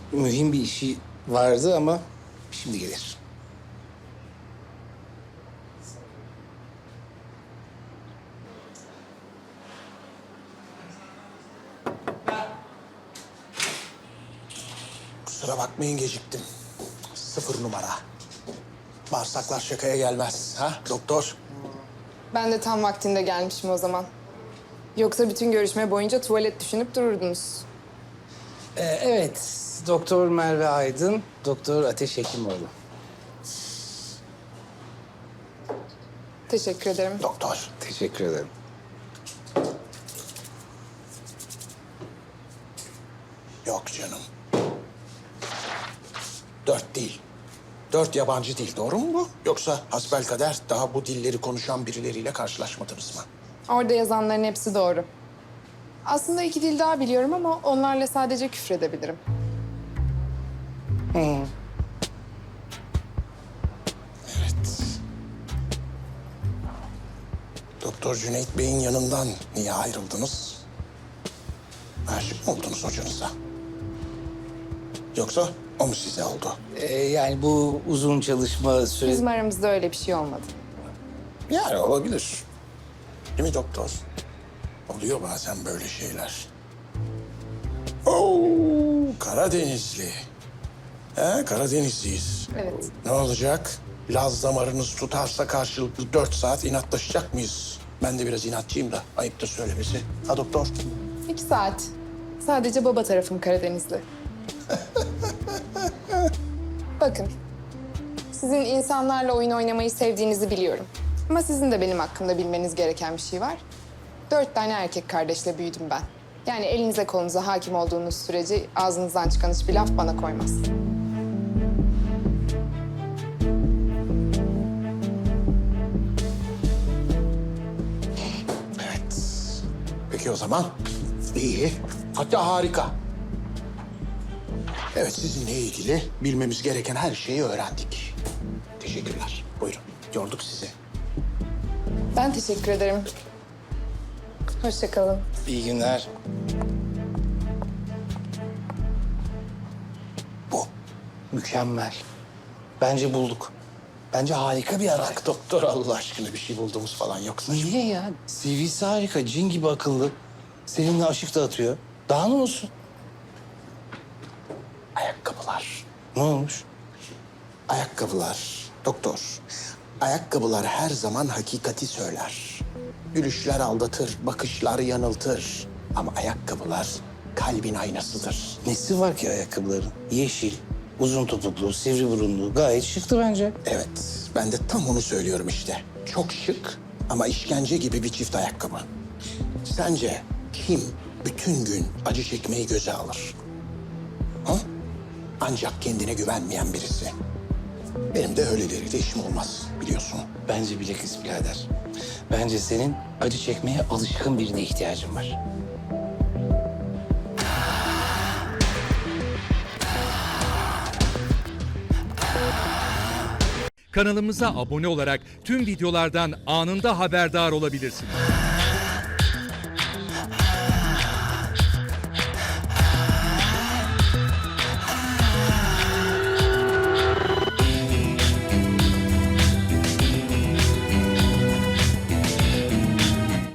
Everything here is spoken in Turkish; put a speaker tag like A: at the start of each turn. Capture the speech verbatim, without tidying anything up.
A: mühim bir işi vardı ama şimdi gelir.
B: Kusura bakmayın geciktim. Sıfır numara. Bağırsaklar şakaya gelmez. Ha doktor?
C: Ben de tam vaktinde gelmişim o zaman. Yoksa bütün görüşme boyunca tuvalet düşünüp dururdunuz.
A: Ee, evet, Doktor Merve Aydın, Doktor Ateş Hekimoğlu.
C: Teşekkür ederim.
B: Doktor.
A: Teşekkür ederim.
B: Yok canım. Dört değil. Dört yabancı dil, doğru mu bu? Yoksa hasbelkader daha bu dilleri konuşan birileriyle karşılaşmadınız mı?
C: Orada yazanların hepsi doğru. Aslında iki dil daha biliyorum ama onlarla sadece küfredebilirim.
B: Evet. Doktor Cüneyt Bey'in yanından niye ayrıldınız? Aşık mı oldunuz hocanıza? Yoksa o mu size oldu?
A: Ee, yani bu uzun çalışma süresi...
C: Bizim aramızda öyle bir şey olmadı.
B: Yani olabilir. Değil mi doktor? Oluyor bazen böyle şeyler. Oo, Karadenizli. He, Karadenizliyiz.
C: Evet.
B: Ne olacak? Laz damarınız tutarsa karşılıklı dört saat inatlaşacak mıyız? Ben de biraz inatçıyım da ayıptır söylemesi. Ha doktor?
C: İki saat. Sadece baba tarafım Karadenizli. Bakın, sizin insanlarla oyun oynamayı sevdiğinizi biliyorum. Ama sizin de benim hakkımda bilmeniz gereken bir şey var. Dört tane erkek kardeşle büyüdüm ben. Yani elinize kolunuza hakim olduğunuz sürece ağzınızdan çıkan hiçbir laf bana koymaz.
B: Evet. Peki o zaman iyi. Hatta harika. Evet, sizinle ilgili bilmemiz gereken her şeyi öğrendik. Teşekkürler. Buyurun. Yorduk sizi.
C: Ben teşekkür ederim. Hoşça kalın.
A: İyi günler.
B: Bu.
A: Mükemmel. Bence bulduk. Bence harika bir aday.
B: Bak doktor, Allah aşkına bir şey bulduğumuz falan yoksa.
A: Niye ya? C V'si harika, cin gibi akıllı. Seninle aşık dağıtıyor. Daha ne olsun?
B: Ayakkabılar.
A: Ne olmuş?
B: Ayakkabılar. Doktor. Ayakkabılar her zaman hakikati söyler. Gülüşler aldatır, bakışlar yanıltır. Ama ayakkabılar kalbin aynasıdır.
A: Nesi var ki ayakkabıların? Yeşil, uzun topuklu, sivri burunlu. Gayet şıktı bence.
B: Evet, ben de tam onu söylüyorum işte. Çok şık ama işkence gibi bir çift ayakkabı. Sence kim bütün gün acı çekmeyi göze alır? Ha? Ancak kendine güvenmeyen birisi. Benim de öyleleriyle işim olmaz, biliyorsun.
A: Bence bilakis birader. Bence senin acı çekmeye alışkın birine ihtiyacın var.
D: Kanalımıza abone olarak tüm videolardan anında haberdar olabilirsiniz.